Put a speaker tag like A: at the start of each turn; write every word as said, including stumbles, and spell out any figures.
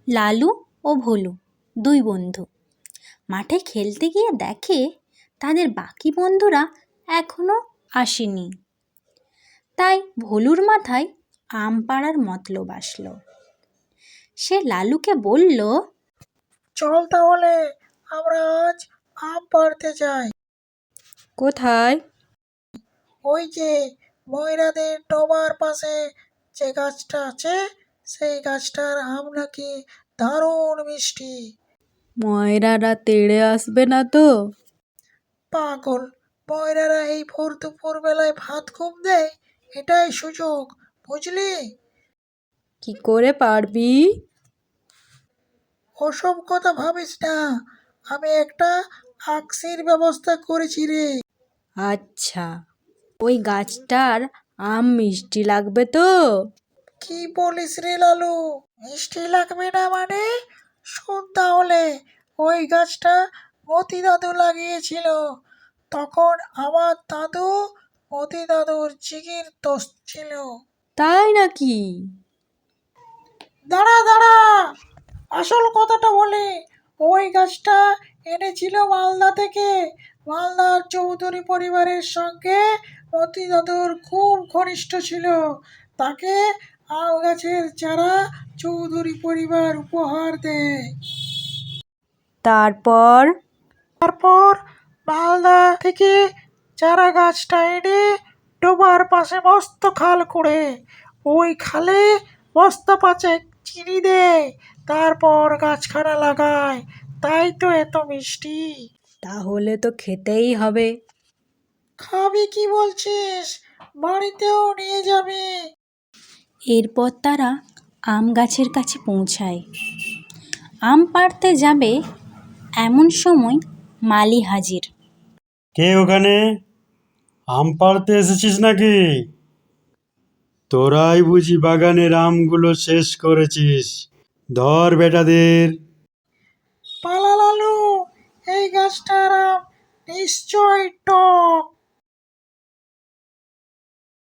A: লালু ও ভোলু দুই বন্ধু মাঠে খেলতে গিয়ে দেখে তাদের বাকি বন্ধুরা এখনো আসেনি। তাই ভোলুর মাথায় আম পাড়ার মতলব আসলো। সে লালুকে বলল,
B: চল তাহলে আমরা আজ আম পাড়তে যাই।
A: কোথায়?
B: ওই যে ময়রাদের ডোবার পাশে যে গাছটা আছে, সেই গাছটার আম নাকি দারুণ মিষ্টি।
A: ময়রারা তেড়ে আসবে না তো?
B: পাগল, ময়রারা এই ভোর দুপুর বেলায় ভাত ঘুম দেয়, এটাই সুযোগ, বুঝলি?
A: কি করে পারবি?
B: ওসব কথা ভাবিস না, আমি একটা আকসির ব্যবস্থা করেছি রে।
A: আচ্ছা, ওই গাছটার আম মিষ্টি লাগবে তো?
B: কি বলিস রে লালু, মিষ্টি লাগবে না মানে? শোন তাহলে, ওই গাছটা মতি দাদু লাগিয়েছিল, তখন আমার দাদু মতি দাদুর জিগির দোস্ত ছিল।
A: তাই নাকি?
B: দাঁড়া দাঁড়া, আসল কথাটা বলি। ওই গাছটা এনেছিল মালদা থেকে। মালদার চৌধুরী পরিবারের সঙ্গে মতি দাদুর খুব ঘনিষ্ঠ ছিল। তাকে আম গাছের চারা চৌধুরী পরিবার উপহার দেয়।
A: তারপর?
B: তারপর মালদা থেকে চারা গাছটা এনে ডোবার পাশে মস্ত খাল করে ওই খালে বস্তা পাঁচেক চিনি দেয়, তারপর গাছখানা লাগায়। তাই তো এত মিষ্টি।
A: তাহলে তো খেতেই হবে।
B: খাবি কি বলছিস? বাড়িতেও নিয়ে যাবি।
A: এরপর তারা আম গাছের কাছে পৌঁছায়। আম পাড়তে যাবে এমন সময় মালি হাজির।
C: কে ওখানে? আম পাড়তে এসেছিস নাকি? তোরাই বুঝি বাগানের আমগুলো শেষ করেছিস? ধর বেটাদের।
B: পালা লালু, এই গাছটার আম নিশ্চয় টক।